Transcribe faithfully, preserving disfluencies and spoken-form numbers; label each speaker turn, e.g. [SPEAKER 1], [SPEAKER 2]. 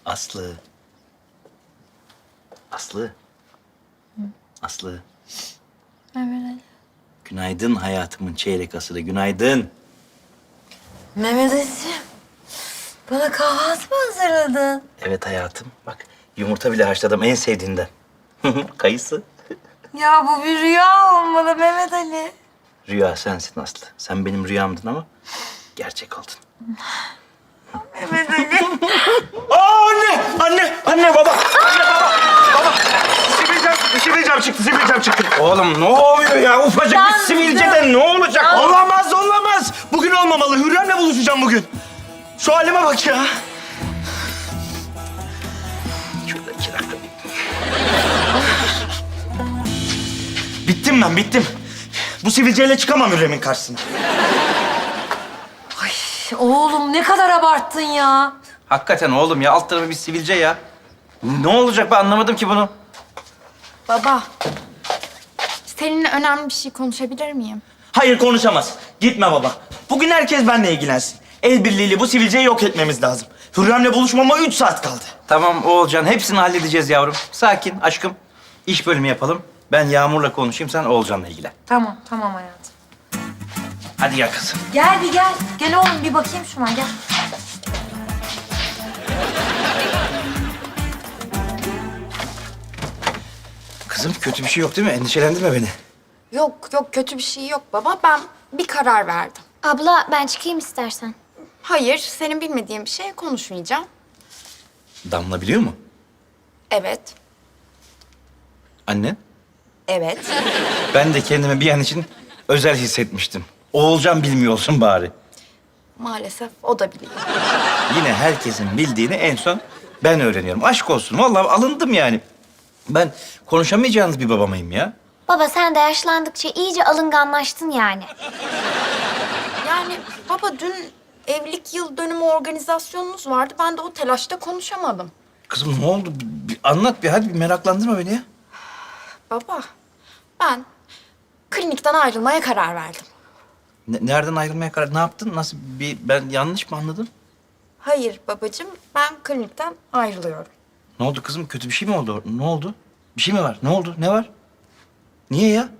[SPEAKER 1] Aslı. Aslı. Aslı.
[SPEAKER 2] Mehmet Ali.
[SPEAKER 1] Günaydın hayatımın çeyrek asırı. Günaydın.
[SPEAKER 2] Mehmet Ali'ciğim. Bana kahvaltı mı hazırladın?
[SPEAKER 1] Evet hayatım. Bak yumurta bile haşladım en sevdiğinden. Kayısı.
[SPEAKER 2] Ya bu bir rüya olmalı Mehmet Ali.
[SPEAKER 1] Rüya sensin Aslı. Sen benim rüyamdın ama gerçek oldun.
[SPEAKER 2] Mehmet Ali.
[SPEAKER 1] Aa anne! Anne! Anne baba! Anne baba! Baba! Sivilcem, sivilcem çıktı, sivilcem çıktı. Oğlum ne oluyor ya? Ufacık bir
[SPEAKER 2] Yandım.
[SPEAKER 1] sivilceden ne olacak?
[SPEAKER 2] Yandım.
[SPEAKER 1] Olamaz, olamaz. Bugün olmamalı. Hürrem'le buluşacağım bugün. Şu halime bak ya. Şurada iki dakika. Bittim ben, bittim. Bu sivilceyle çıkamam Hürrem'in karşısına.
[SPEAKER 2] Ay oğlum ne kadar abarttın ya.
[SPEAKER 1] Hakikaten oğlum ya, alt tarafı bir sivilce ya. Ne olacak, ben anlamadım ki bunu.
[SPEAKER 3] Baba, seninle önemli bir şey konuşabilir miyim?
[SPEAKER 4] Hayır konuşamaz. Gitme baba. Bugün herkes benimle ilgilensin. El birliğiyle bu sivilceyi yok etmemiz lazım. Hürrem'le buluşmama üç saat kaldı.
[SPEAKER 1] Tamam Oğulcan, hepsini halledeceğiz yavrum. Sakin aşkım. İş bölümü yapalım. Ben Yağmur'la konuşayım, sen Oğulcan'la ilgilen.
[SPEAKER 2] Tamam tamam hayatım.
[SPEAKER 1] Hadi gel kızım.
[SPEAKER 2] Gel bir gel. Gel oğlum bir bakayım şuna gel.
[SPEAKER 1] Kızım kötü bir şey yok değil mi? Endişelendirme beni.
[SPEAKER 3] Yok, yok kötü bir şey yok baba. Ben bir karar verdim.
[SPEAKER 5] Abla ben çıkayım istersen.
[SPEAKER 3] Hayır, senin bilmediğin bir şey konuşmayacağım.
[SPEAKER 1] Damla biliyor mu?
[SPEAKER 3] Evet,
[SPEAKER 1] Anne.
[SPEAKER 3] evet.
[SPEAKER 1] Ben de kendimi bir an için özel hissetmiştim. Oğulcan bilmiyor olsun bari.
[SPEAKER 3] Maalesef o da biliyor.
[SPEAKER 1] Yine herkesin bildiğini en son ben öğreniyorum. Aşk olsun. Vallahi alındım yani. Ben konuşamayacağınız bir baba mıyım ya?
[SPEAKER 5] Baba sen de yaşlandıkça iyice alınganlaştın yani.
[SPEAKER 3] Yani baba dün evlilik yıl dönümü organizasyonunuz vardı. Ben de o telaşta konuşamadım.
[SPEAKER 1] Kızım ne oldu? Bir, bir anlat bir hadi, bir meraklandırma beni ya.
[SPEAKER 3] Baba, ben klinikten ayrılmaya karar verdim.
[SPEAKER 1] Ne- nereden ayrılmaya karar? Ne yaptın? Nasıl bir ben yanlış mı anladım?
[SPEAKER 3] Hayır babacığım, ben klinikten ayrılıyorum.
[SPEAKER 1] Ne oldu kızım? Kötü bir şey mi oldu? Ne oldu? Bir şey mi var? Ne oldu? Ne var? Niye ya?